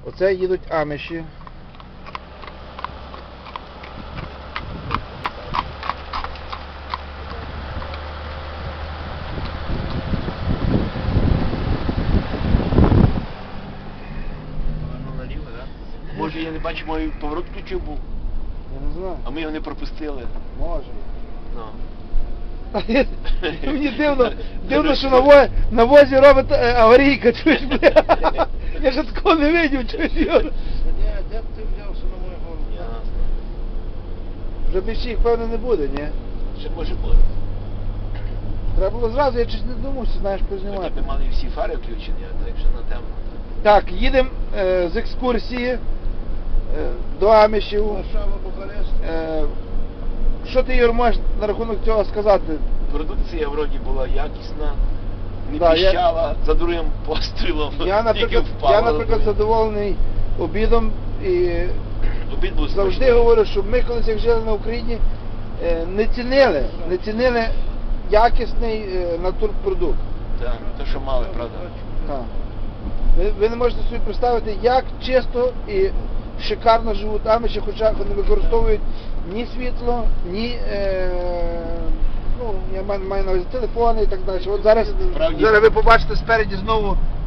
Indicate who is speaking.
Speaker 1: Оце їдуть аміші.
Speaker 2: Наліво, так? Може, я не бачу, мою поворот включив був,
Speaker 1: Я не знаю.
Speaker 2: а ми його не пропустили.
Speaker 1: Може.
Speaker 2: Ну.
Speaker 1: Мені дивно, що на возі робить аварійка, чуєш, бля. Я ж такого не видів, чуєш, Юр.
Speaker 3: Де ти взявся на мою голову?
Speaker 2: Ясно.
Speaker 1: Вже більше їх, певно, не буде, ні?
Speaker 2: Ще може бути.
Speaker 1: Треба було зразу, я щось не думав, що знаєш
Speaker 2: Хоча
Speaker 1: познімати.
Speaker 2: б мали всі фари включені, а так що на темно.
Speaker 1: Так, їдемо з екскурсії до амішів.
Speaker 3: Варшава, Бухарест.
Speaker 1: Що ти, Юр, можеш на рахунок цього сказати?
Speaker 2: Продукція вроді була якісна, не
Speaker 1: Да,
Speaker 2: піщала, за другим пострілом
Speaker 1: Я,
Speaker 2: тільки впала.
Speaker 1: наприклад, задоволений обідом і
Speaker 2: Обід був
Speaker 1: завжди
Speaker 2: смачний.
Speaker 1: говорю, що ми колись як жили на Україні, не цінили якісний натурпродукт.
Speaker 2: Так, те, що мали, правда.
Speaker 1: Так. Ви не можете собі представити, як чисто і шикарно живуть аміші, хоча вони використовують ні світло, ні, ну, я маю на увазі телефони і так далі. От зараз
Speaker 2: Справді.
Speaker 1: ви побачите спереді знову